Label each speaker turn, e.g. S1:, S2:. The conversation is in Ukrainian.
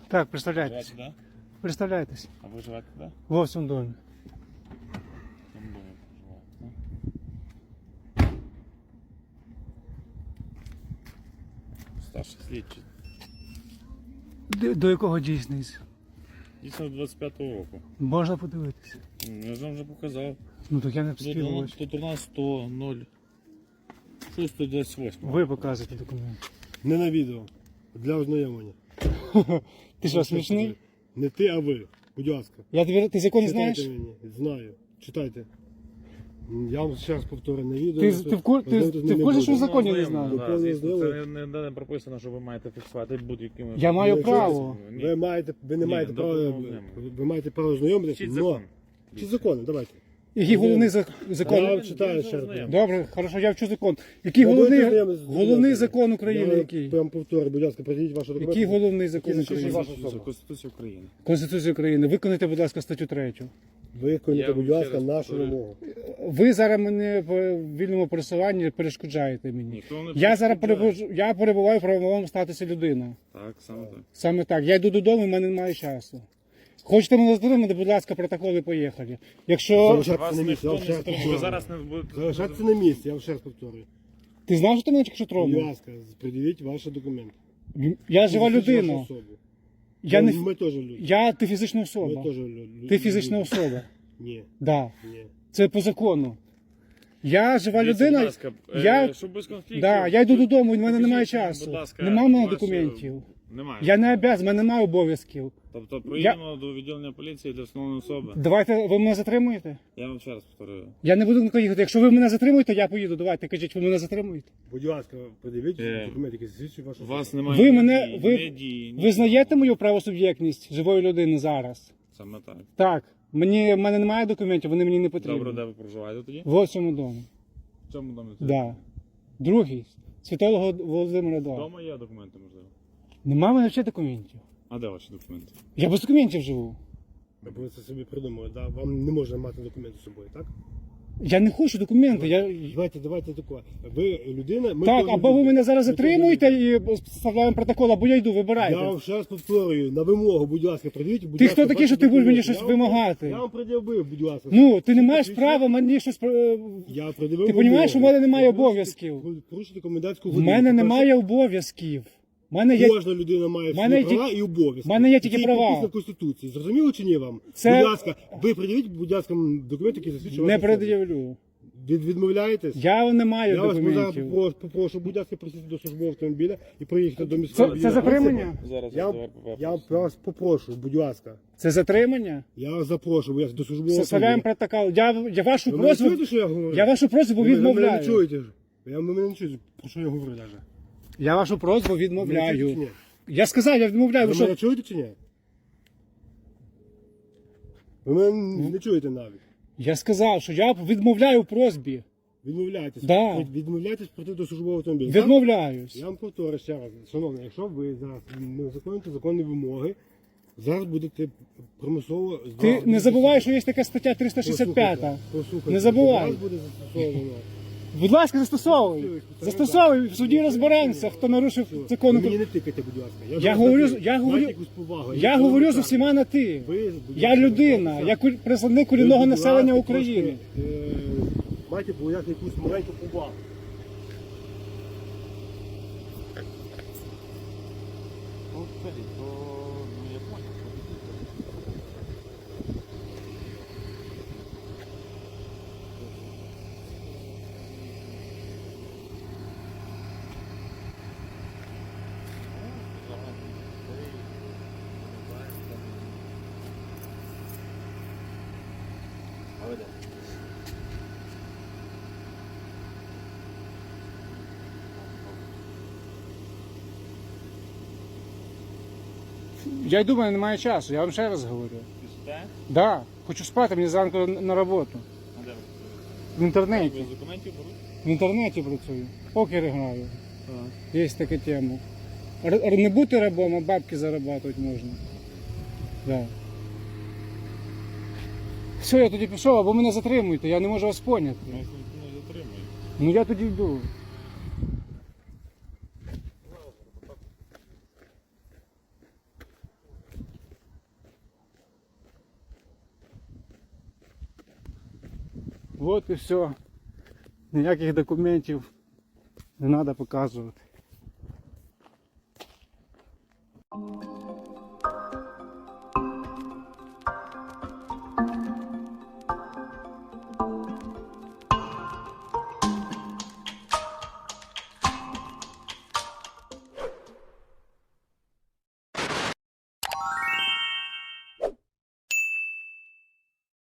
S1: Так, представляйтесь.
S2: Живете, да?
S1: Представляйтесь.
S2: А ви живете, да?
S1: Во в цьому домі.
S2: В цьому домі проживаєте, да? Старший слідчий.
S1: До якого дійсність?
S2: Дійсно 25-го року.
S1: Можна подивитися.
S2: Я ж вам вже показав.
S1: Ну так я не встиг.
S2: 113 0 628.
S1: Ви показуєте документ.
S3: Не на відео. Для ознайомлення.
S1: Ти що, смішний?
S3: Не ти, а ви. Будь ласка.
S1: Ти закон не знаєш?
S3: Читайте мені. Знаю. Читайте. Я вам ще раз повторю на відео.
S1: Ти в курсі, що в законі не знаю?
S2: Це не прописано, що ви маєте фіксувати будь-якими.
S1: Я маю право.
S3: Ви не маєте права. Ви маєте право ознайомитися.
S2: Вчіть закон.
S3: Чи закони? Давайте.
S1: Який головний
S3: Я
S1: закон?
S3: вам читаю ще раз.
S1: Добре, хорошо, я вчу закон. Який головний закон України? Який?
S3: Я вам повторю, будь ласка, придіть ваші документи.
S1: Який головний закон
S3: Який
S1: України?
S3: ваша особа?
S2: Конституція України.
S1: Конституція України. Виконайте, будь ласка, статтю 3.
S3: Виконуйте,
S2: Я
S3: будь
S2: вам
S3: ласка,
S2: ще раз
S3: нашу
S2: повторю.
S3: вимогу.
S1: Ви зараз мене в вільному пересуванні перешкоджаєте мені.
S2: Ніхто не
S1: Я зараз
S2: перешкоджає.
S1: перебуваю в правовому статусі людина.
S2: Так, саме так.
S1: Саме так. Я йду додому, в мене немає часу. Хочете мене затримати, будь ласка, протоколи, поїхали. Якщо...
S3: Залишайтеся
S2: Вас
S3: на місці, я
S2: ніхто
S3: вам
S2: не
S3: ще раз
S2: затримує. Ви
S3: повторюю.
S2: зараз не будете...
S3: Залишайтеся на місці, я вам ще раз повторюю.
S1: Ти знаєш, що ти мене тільки що
S3: Будь
S1: тронув?
S3: ласка, придивіть ваші документи.
S1: Я жива
S3: Фізична
S1: людина.
S3: особа.
S1: Я не...
S3: Ми теж люди.
S1: Ти фізична
S3: Ми
S1: особа.
S3: теж люди.
S1: Ти фізична особа.
S3: Ні,
S1: Да.
S3: ні.
S1: Це по закону. Я жива
S2: Дивіться,
S1: людина.
S2: будь ласка,
S1: Я...
S2: щоб без конфліктів...
S1: Да, я йду додому, в мене немає
S2: покажіть,
S1: часу.
S2: будь ласка,
S1: Нема в мене
S2: ваші-
S1: документів.
S2: Немає.
S1: Я не обов'язаний, в мене немає обов'язків.
S2: Тобто проїдемо до відділення поліції для встановлення особи.
S1: Давайте, ви мене затримуєте?
S2: Я вам ще раз повторюю.
S1: Я не буду нікуди їхати. Якщо ви мене затримуєте, я поїду. Давайте, кажіть, ви мене затримуєте?
S3: Будь ласка, придивіть
S2: Е,
S3: документи, які засвідчують вашу
S2: У вас
S3: особу.
S2: немає
S1: Ви
S2: ні
S1: мене,
S2: дії,
S1: ви
S2: ні дії, ні
S1: визнаєте
S2: слова.
S1: мою правосуб'єктність живої людини зараз?
S2: Саме так.
S1: Так. В мене немає документів, вони мені не потрібні.
S2: Добре, де ви проживаєте тоді?
S1: В ось цьому домі.
S2: В цьому домі? це?
S1: Да. Другий. Святого Володимира 2.
S2: Вдома є документи, можливо.
S1: Нема в мене взагалі документів.
S2: А де ваші документи?
S1: Я без документів живу.
S3: Ви це собі придумали, да? Вам не можна мати документи з собою, так?
S1: Я не хочу документи.
S3: Давайте таке. Ви людина, ми
S1: Так,
S3: теж
S1: або ви
S3: люди.
S1: мене зараз
S3: Ми теж
S1: затримуєте
S3: люди.
S1: і вставляємо протокол, або я йду, вибирайте.
S3: Я вам ще раз повторюю, на вимогу, будь ласка, придивіть, будь
S1: Ти
S3: ласка,
S1: хто такий,
S3: ваші
S1: що ти будеш мені
S3: документи.
S1: щось вимагати?
S3: Я вам пред'явив, будь ласка.
S1: Ну, ти не маєш
S3: Посвідчення?
S1: права мені щось...
S3: Я пред'явив
S1: Ти
S3: вимогу.
S1: розумієш, у мене немає
S3: Ви порушите-
S1: обов'язків.
S3: ви Порушите комендантську
S1: В
S3: годину.
S1: мене
S3: По-перше,
S1: немає обов'язків. В мене є...
S3: Кожна людина має
S1: мене
S3: свої
S1: є
S3: права і обов'язки.
S1: в мене є тільки
S3: Це і
S1: права.
S3: прописано в Конституції. Зрозуміло чи ні вам?
S1: Це-
S3: Будь ласка, ви пред'явіть, будь ласка, документи, які засвідчують
S1: Не
S3: вашу особу.
S1: пред'явлю.
S3: Відмовляєтесь?
S1: Я не маю
S3: Я вас
S1: документів.
S3: зараз попрошу, будь ласка, присісти до службового автомобіля і проїхати до міського.
S1: Це
S3: відділу
S1: затримання?
S3: поліції.
S2: Зараз
S3: Я вас попрошу, будь ласка.
S1: Це затримання?
S3: Я вас запрошу, будь ласка, до службового
S1: Составляємо
S3: автомобіля.
S1: протокол. Я вашу
S3: Ви мене
S1: просьбу...
S3: чуєте, що я говорю?
S1: Я вашу просьбу
S3: Ви мене не
S1: відмовляю.
S3: чуєте ж. Ви мене не чуєте, про що я говорю навіть.
S1: Я вашу просьбу
S3: Ви мене чуєте чи
S1: відмовляю.
S3: ні?
S1: Я сказав, я відмовляю.
S3: Ви
S1: Ви
S3: мене
S1: що?
S3: чуєте чи ні? Ви мене не чуєте навіть.
S1: Я сказав, що я відмовляю в просьбі.
S3: Відмовляєтесь.
S1: Да.
S3: Відмовляєтесь прийти до службового автомобіля.
S1: Відмовляюсь.
S3: Я вам повторю ще раз. Шановний, якщо ви зараз не виконуєте законні вимоги, зараз будете примусово...
S1: Ти не забувай, що є така стаття 365.
S3: Послухайте,
S1: Не забувай.
S3: Зараз буде застосовано.
S1: Будь ласка, застосовуй. Застосовуй, в суді розберемося, хто нарушив закон.
S3: Ви мені не тикайте, будь ласка.
S1: Я
S3: вас
S1: говорю-
S3: запитую.
S1: я говорю-
S3: Майте якусь повагу.
S1: Я
S3: Ніхто
S1: говорю
S3: не
S1: з
S3: так.
S1: усіма на ти.
S3: Ви, будь
S1: Я
S3: ласка,
S1: людина,
S3: так.
S1: я представник
S3: Ви,
S1: корінного
S3: будь
S1: населення
S3: ласка,
S1: України.
S3: трошки, майте проявляти якусь маленьку повагу.
S2: Ну, скажіть, то... Ну, я понял. А ви де?
S1: Я думаю, немає часу, я вам ще раз говорю.
S2: Піште?
S1: Да, хочу спати, мені зранку на роботу.
S2: А де ви?
S1: В інтернеті.
S2: Без документів беруть?
S1: В інтернеті працюю. Покер граю.
S2: Так.
S1: Є така тема. Не бути рабом, а бабки заробляти можна. Да. Все, я тоді пішов, або мене затримуєте, я не можу вас поняти.
S2: Ну, не затримують.
S1: Ну я тоді йду. От і все. Ніяких документів не треба показувати.